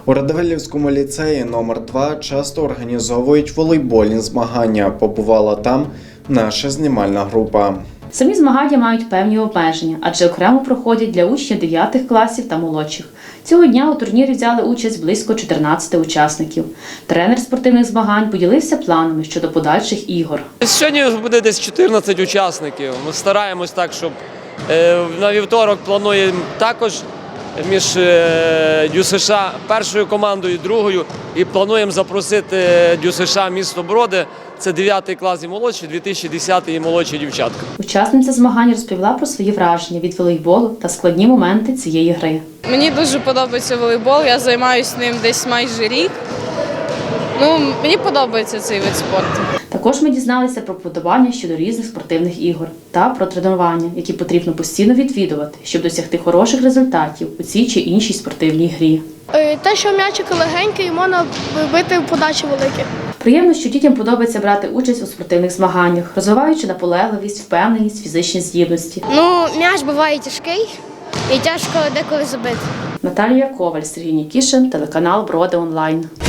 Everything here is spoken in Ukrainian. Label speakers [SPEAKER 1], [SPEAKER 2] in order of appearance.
[SPEAKER 1] У Радивилівському ліцеї номер 2 часто організовують волейбольні змагання. Побувала там наша знімальна група.
[SPEAKER 2] Самі змагання мають певні обмеження, адже окремо проходять для учнів 9 класів та молодших. Цього дня у турнірі взяли участь близько 14 учасників. Тренер спортивних змагань поділився планами щодо подальших ігор.
[SPEAKER 3] Сьогодні буде десь 14 учасників. Ми стараємось так, щоб на вівторок плануємо також між ДЮСШ першою командою і другою. І плануємо запросити ДЮСШ місто Броди. Це 9 клас і молодші, 2010 і молодші дівчатка.
[SPEAKER 2] Учасниця змагань розповіла про свої враження від волейболу та складні моменти цієї гри.
[SPEAKER 4] Мені дуже подобається волейбол, я займаюся ним десь майже рік. Мені подобається цей вид спорту.
[SPEAKER 2] Також ми дізналися про вподобання щодо різних спортивних ігор та про тренування, які потрібно постійно відвідувати, щоб досягти хороших результатів у цій чи іншій спортивній грі.
[SPEAKER 5] Те, що м'ячик легенький, і можна бити подачі великі.
[SPEAKER 2] Приємно, що дітям подобається брати участь у спортивних змаганнях, розвиваючи наполегливість, впевненість, фізичні здібності.
[SPEAKER 5] М'яч буває тяжкий і тяжко деколи забити.
[SPEAKER 2] Наталія Коваль, Сергій Нікішин, телеканал Броди Онлайн.